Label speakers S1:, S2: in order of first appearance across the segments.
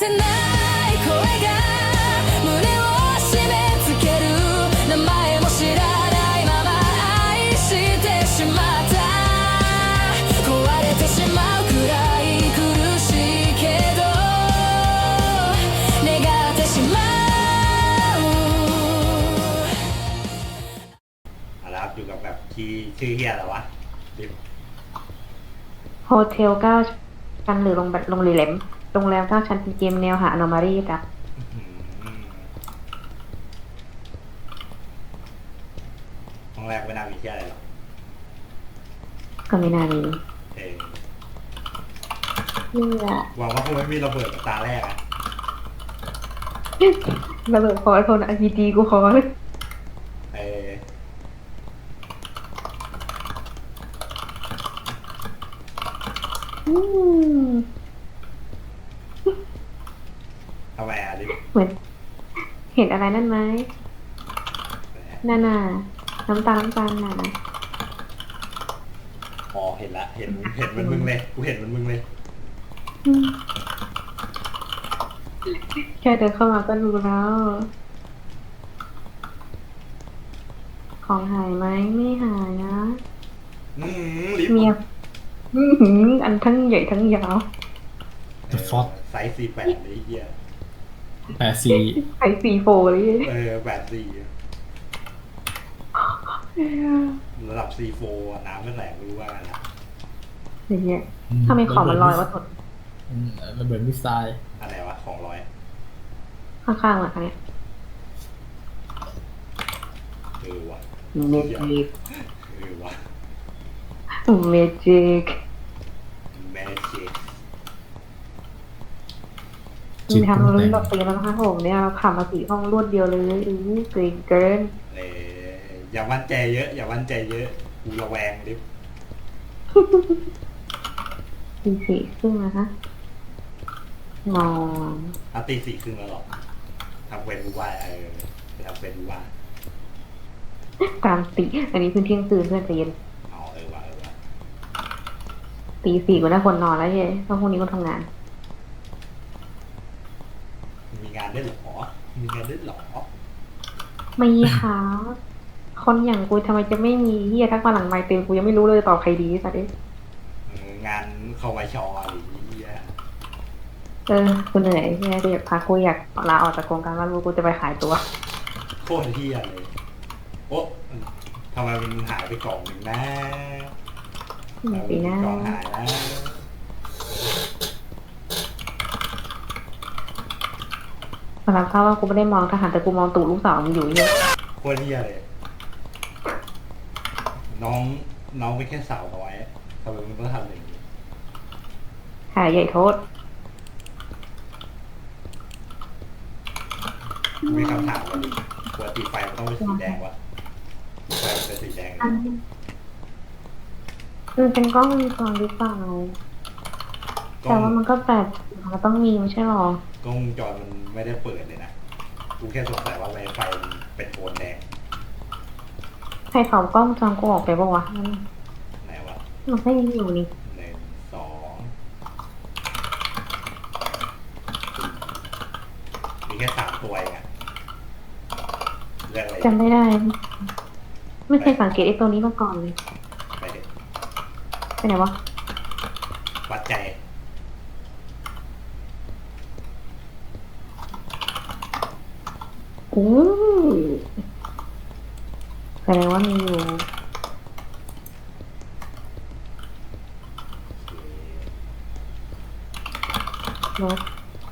S1: せない声が胸を締め付ける名前も知らないまま愛してしまった壊れてしまうくらい苦しいけど願ってしまう
S2: แล้วอยู่กับแบบที่ชื่อเฮียอะไรวะดิ
S3: โฮเทล9 ชั้นหรือโรงแรม9 ชั้นเป็นเกมแนวหา anomaly จ้ะ
S2: ห้องแรกไม่น่ามีเฮียอะไรหรอก
S3: ก็ไม่น่ามี
S2: เออ
S3: นี่แหละ
S2: หวังว่าคงไม่มีระเบิดตาแรกอะ
S3: ระเบิดพอคน RPG กูขอเลย
S2: เออทำไมอะดิ
S3: เหมือนเห็นอะไรนั่นไหมนั่นน่ะน้ำตาลน่ะ
S2: อ๋อเห็นละเห็นเหมือนมึงเลยกูเห็นเหมือนมึงเลย
S3: แค่เดินเข้ามาก็รู้แล้ว ของหายไหมไม่หายนะ
S2: ลิฟ
S3: เมียอันทั้งใหญ่ทั้งยาว
S4: The Fog
S2: ไซส์48เลยเฮีย
S4: 84
S3: ไข่4 โฟเลย
S2: ระดับ C4 อะน้ำไม่แตกไม่รู้ว่าไงละ
S3: อย่างเงี้ยถ้าไม่ของมันลอยว่าถด
S4: ระเบิดมิสไซล์
S2: อะไรวะของร้อย
S3: ข้างๆหลังเนี่ย
S2: เออวะ
S3: เมจิก
S2: เออวะ
S3: เมจิก
S2: แมจิก
S3: มีทำรุ่นแบบตีแล้วนะคะผมเนี่ยเราผ่านมา4 ห้องรวดเดียวเลยเก่งเกิน
S2: อย่ามั่นใจเยอะกูระแวงดิ
S3: ตี 4 ครึ่งนะคะนอน
S2: ตี 4 ครึ่งแล้วหรอทำเป็นรู้ว่าทำเป็นรู้ว่า
S3: กลางตีอันนี้คือเที่ยงคืนเพื่อนใจเย็น
S2: อ๋อเออวะ
S3: ตี 4ก็น่าควรนอนแล้วเย้เพราะพรุ่งนี้ก็ทำงาน
S2: มีงานได้หรอ
S3: ไม่ค่ะคนอย่างกูทำไมจะไม่มีเฮียทักมาหลังไมค์เต็มกูยังไม่รู้เลยตอบใครดีสัตว์
S2: งานเข้าไวชออะไรอย่างเงี้ย
S3: กูเหนื่อยเฮียกูอยากพักกูอยากลาออกจากโครงการว่ารู้กูจะไปขายตัว
S2: โคตรเที่ยเลยโอ๊ะทำไมมันหายไปกล่องหนึ่งนะ
S3: ปีหน้าก
S2: ล่องหายนะ
S3: สำหรับเขาว่ากูไม่ได้มองทหารแต่กูมองตู่ลูกสาวมึงอยู่เฮีย
S2: โคตรเที่ยเลยน้องเป็นแค่สาวน้อยทำไมมึงต้องทำอย่างนี้
S3: หายใหญ่โทษ
S2: มีคำถามว่าปกติไฟมันต้องเป็นสีแดงวะไฟมันเป็นสีแดง
S3: มันเป็นกล้องวงจรหรือเปล่า
S2: กล้
S3: แต่
S2: อง
S3: ว่ามันก็แบบมันต้องมีไม่ใช่หรอก
S2: ล้องวงจรมันไม่ได้เปิดเลยนะกูแค่สงสัยว่าไฟมันเป็นโทนแดง
S3: ใครเผากล้องวงจรกูออกไปปะวะ
S2: ไหนวะ
S3: มันไม่มีอยู่นี่
S2: 1 2มีแค่3 ตัวเองอะเรื่องอะไร
S3: จำไม่ได้ ไม่เคยสังเกตไอ้ตัวนี้มาก่อนเลย
S2: ไปเถอะ
S3: ไปไหนวะ
S2: วัดใจ
S3: อู้แสดงว่ามีอยู่รถ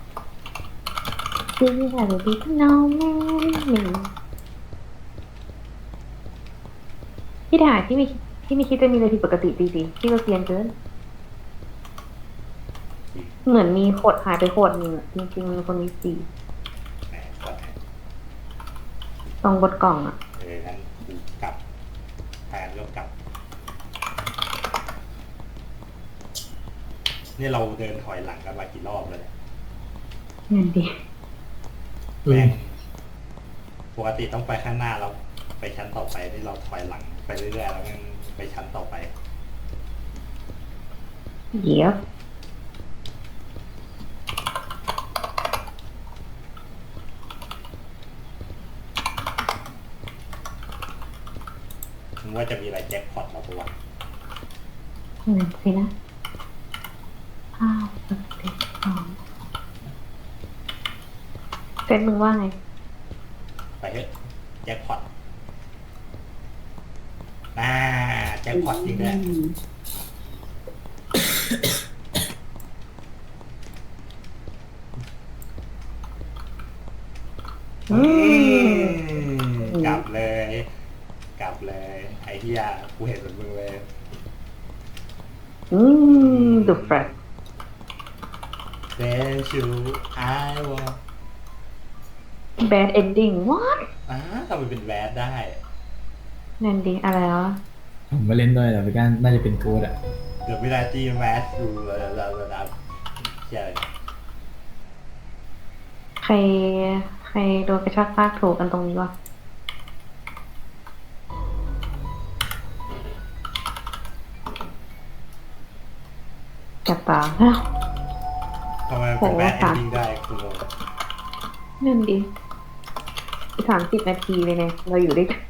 S3: ที่นี่ค่ะหรือที่น้องแม่หนึ่งที่ถ่ายที่ไม่คิดจะมีอะไรผิดปกติจริงๆที่เราเซียนเกิน เหมือนมีขวดหายไปขวดหนึ่งอะจริงๆมีคนมี4
S2: แหมก่อนนะ
S3: ตรงบนกล่องอ่ะ
S2: งั้นกูกลับแทนก็กลับนี่เราเดินถอยหลังกันมากี่รอบแล้วเนี่ย
S3: เงินดี
S2: แม่งปกติต้องไปข้างหน้าแล้วไปชั้นต่อไปที่เราถอยหลังไปเรื่อยๆแล้วมันไปชั้นต่อไป
S3: เดี๋ยวสินะเป็นมึงว่าไง
S2: ไปเถอะแจ็คพอตแจ็คพอตจริงด้วยกลับเลย ไอ้เหี้ยกูเห็นเหมือนมึงเลย
S3: ดูแฟร์
S2: Then you I want
S3: แบดเอนดิ้ง what
S2: ทำไมเป็นแวดได้
S3: นั่นดีอะไรวะ
S4: ผมมาเล่นด้วยแต่พี่ก้านน่าจะเป็นโค้ดอ่ะ
S2: เดี๋ยวเวลาจีแมสดูระดับเชี่ยอะไร
S3: ใครโดนกระชากลากถูกกันตรงนี้วะจับตาแล้ว
S2: ทำไมเป็นแวดเอนดิ้งได้คุณโร
S3: นั่นดี30 นาทีเลยเนี่ย เราอยู่ด้วยกัน